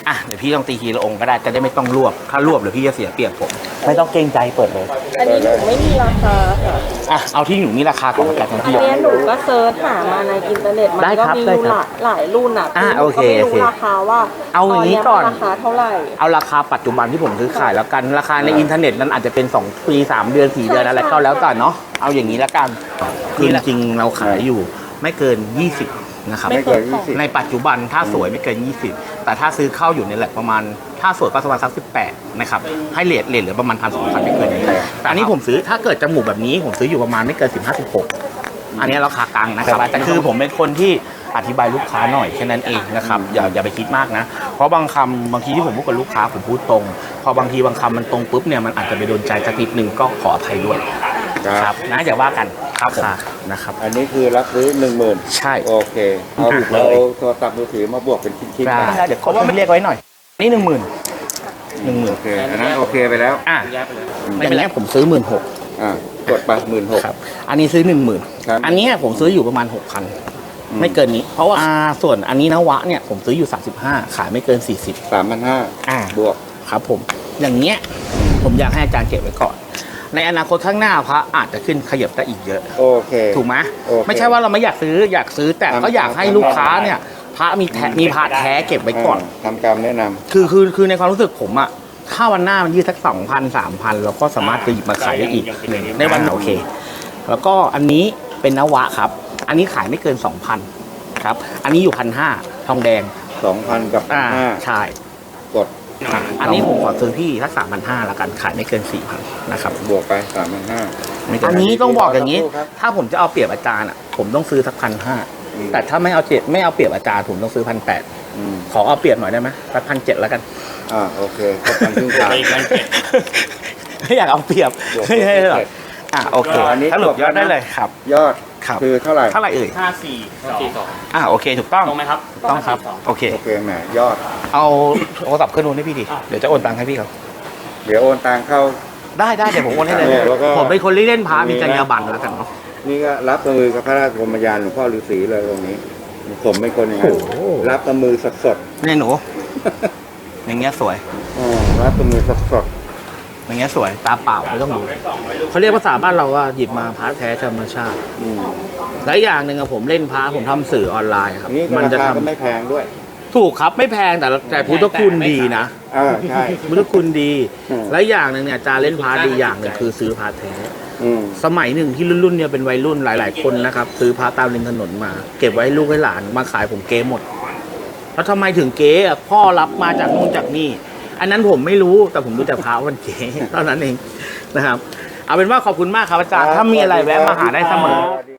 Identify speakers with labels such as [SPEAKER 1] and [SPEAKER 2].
[SPEAKER 1] อ่ะเดี๋ยวพี่ต้องตีทีละองค์ก็ได้จะได้ไม่ต้องรวบถ้ารวบเดี๋ยวพี่จะเสียเปรียบผมไม่ต้องเกรงใจเปิดเลย
[SPEAKER 2] อันนี้หนูไม่มีราคาค่ะ
[SPEAKER 1] อ่ะเอาที่หนูมีราคาก่อนละกัน
[SPEAKER 2] อัน
[SPEAKER 1] พี่
[SPEAKER 2] นี้หนูก็เซิร์ชหามาในอินเทอร์เน็ตมัน
[SPEAKER 1] ได้
[SPEAKER 2] ก็
[SPEAKER 1] ครับ
[SPEAKER 2] มี
[SPEAKER 1] ได้ครับ
[SPEAKER 2] หลายรุ่นอ่ะ
[SPEAKER 1] โอเค
[SPEAKER 2] หนูก็ไม่รู้
[SPEAKER 1] โอเค
[SPEAKER 2] ราคาว่า
[SPEAKER 1] เอาอย่างนี้ก่อน
[SPEAKER 2] ราคาเท่าไหร่
[SPEAKER 1] เอาราคาปัจจุบันที่ผมซื้อขายแล้วกันราคาในอินเทอร์เน็ตนั้นอาจจะเป็น2 ปี 3 เดือน 4 เดือนอะไรก็แล้วแต่เนาะเอาอย่างนี้ละกันคือจริงๆเราขายอยู่ไม่เกิน 20นะครับ
[SPEAKER 2] ไม่เกิน
[SPEAKER 1] ในปัจจุบันถ้าสวยไม่เกิน 20 แต่ถ้าซื้อเข้าอยู่ในแหละประมาณถ้าสวยก็ประมาณสัก18นะครับให้เลทเหลือประมาณ1,000-2,000ไม่เกินนี้แต่อันนี้ผมซื้อถ้าเกิดจมูกแบบนี้ผมซื้ออยู่ประมาณไม่เกิน15-16อันนี้ราคากลางนะครับแต่คือผมเป็นคนที่อธิบายลูกค้าหน่อยแค่นั้นเองนะครับอย่าไปคิดมากนะเพราะบางคำบางทีที่ผมพูดกับลูกค้าผมพูดตรงพอบางทีบางคำมันตรงปุ๊บเนี่ยมันอาจจะไปโดนใจสักนิดนึงก็ขออภัยด้วยครับนะอย่าว่ากันครับนะครับ
[SPEAKER 3] อันนี้คือรับซื้อ10,000
[SPEAKER 1] ใช่
[SPEAKER 3] โอเคเอา
[SPEAKER 1] ถูกเลย
[SPEAKER 3] เอาโทรศัพท์มือถือมาบวกเป็นชิ้นๆ
[SPEAKER 1] ได้
[SPEAKER 3] กัน
[SPEAKER 1] เดี๋ยวเขาว่าไม่เรียกไว้หน่อยนี่10,000
[SPEAKER 3] โอเคอันนั้นโอเคไปแล้ว
[SPEAKER 1] อ่ะไม่เป็นไรผมซื้อ16,000
[SPEAKER 3] กดไป16,000
[SPEAKER 1] ครับอันนี้ซื้อ
[SPEAKER 3] ครับ
[SPEAKER 1] 10,000อันนี้ผมซื้ออยู่ประมาณ 6,000ไม่เกินนี้เพราะว่าส่วนอันนี้นวะเนี่ยผมซื้ออยู่35ขายไม่เกิน40
[SPEAKER 3] 3,500บวก
[SPEAKER 1] ครับผมอย่างเงี้ยผมอยากให้อาจารย์เก็บไว้ก่อนในอนาคตข้างหน้าพระอาจจะขึ้นขยับได้อีกเยอะ
[SPEAKER 3] โอเค
[SPEAKER 1] ถูกไหม
[SPEAKER 3] โอเค
[SPEAKER 1] ไม่ใช่ว่าเราไม่อยากซื้อแต่ก็อยากให้ลูกค้าเนี่ยพระมีพระแท้เก็บไว้ก่อน
[SPEAKER 3] ทำการแนะนำ
[SPEAKER 1] คือในความรู้สึกผมอะถ้าวันหน้ามันยืดสัก2,000-3,000เราก็สามารถจะหยิบมาขายได้อีกในวันโอเค แล้วก็อันนี้เป็นนวะครับ อันนี้ขายไม่เกิน 2,000ครับอันนี้อยู่1,500ทองแดง
[SPEAKER 3] 2,000 กับ
[SPEAKER 1] ใช่
[SPEAKER 3] 1,500กด
[SPEAKER 1] อันนี้ผมขอซื้อพี่สัก3,500ละกันขายไม่เกิน 4,000นะครับ
[SPEAKER 3] บวกไป 3,500
[SPEAKER 1] อันนี้ต้องบอกอย่างนี้
[SPEAKER 3] ขอโทษครับ
[SPEAKER 1] ถ้าผมจะเอาเปรียบอาจารย์อ่ะผมต้องซื้อสัก1,500แต่ถ้าไม่เอาเปรียบอาจารย์ผมต้องซื้อ1,800ขอเอาเปรียบหน่อยได้ไหมสัก1,700แล้วกัน
[SPEAKER 3] โอเคก็พันครึ่งทาง
[SPEAKER 1] ไม่อยากเอาเปรียบไม่ใช่หรอกโอเค
[SPEAKER 3] อันนี้
[SPEAKER 1] สรุปยอดได้เลยครับ
[SPEAKER 3] ยอด
[SPEAKER 1] ครับ
[SPEAKER 3] คือเท่าไหร่
[SPEAKER 1] เท่าไหร่เอ่ย
[SPEAKER 4] 5442
[SPEAKER 1] โอเคถูกต้อง
[SPEAKER 4] ตรงไหมครับ
[SPEAKER 1] ต้องครับโอเค
[SPEAKER 3] โอเคแหมยอด
[SPEAKER 1] เอาโทรศัพท์ขึ้นนู้นให้พี่ดิเดี๋ยวจะโอนตังค์ให้พี่เขา
[SPEAKER 3] เดี๋ยวโอนตังเข้า
[SPEAKER 1] ได้เดี๋ยวผมโอนให้เลย
[SPEAKER 3] แล้วก็
[SPEAKER 1] ผมเป็นคนเล่นพามีจรรยาบรรณแล้วกันเนาะ
[SPEAKER 3] นี่ก็รับกับมือกับพระราชกรมยานหลวงพ่อฤาษีเลยตรงนี้ ผมเป็นคนอย่างนั้น
[SPEAKER 1] โอ้โห
[SPEAKER 3] รับกับมือสด
[SPEAKER 1] เนี่ยหนูอย่างเงี้ยสวย
[SPEAKER 3] ๆรับกับมือสด
[SPEAKER 1] อย่างเงี้ยสวยตาเปล่าไม่ต้องดูเขาเรียกภาษาบ้านเราว่าหยิบมาพระแท้ธรรมชาติ
[SPEAKER 3] ๆอืม
[SPEAKER 1] และอย่างหนึ่งอะผมเล่นพระผมทำสื่อออนไลน์ครับ
[SPEAKER 3] นี่
[SPEAKER 1] มัน
[SPEAKER 3] รา
[SPEAKER 1] จะ
[SPEAKER 3] คา
[SPEAKER 1] ทำ
[SPEAKER 3] ก็ไม่แพงด้วย
[SPEAKER 1] ถูกครับไม่แพงแต่พุทธคุณดีนะ
[SPEAKER 3] ใช่
[SPEAKER 1] พุทธคุณดี
[SPEAKER 3] อืม
[SPEAKER 1] และอย่างหนึ่งเนี่ยอาจารย์เล่นพระดีอย่างหนึ่งคือซื้อพระแท้
[SPEAKER 3] อืม
[SPEAKER 1] สมัยหนึ่งที่รุ่นเนี่ยเป็นวัยรุ่นหลาย ๆ คนนะครับซื้อพระตามริมถนนมา เก็บไว้ให้ลูกให้หลานมาขายผมเก๊หมด แล้วทำไมถึงเก๊อะพ่อรับมาจากนู่นจากนี่ อันนั้นผมไม่รู้แต่ผมรู้แต่พระมันเก๊เท่านั้นเองนะครับ เอาเป็นว่าขอบคุณมากครับอาจารย์ถ้ามีอะไรแวะมาหาได้เสมอ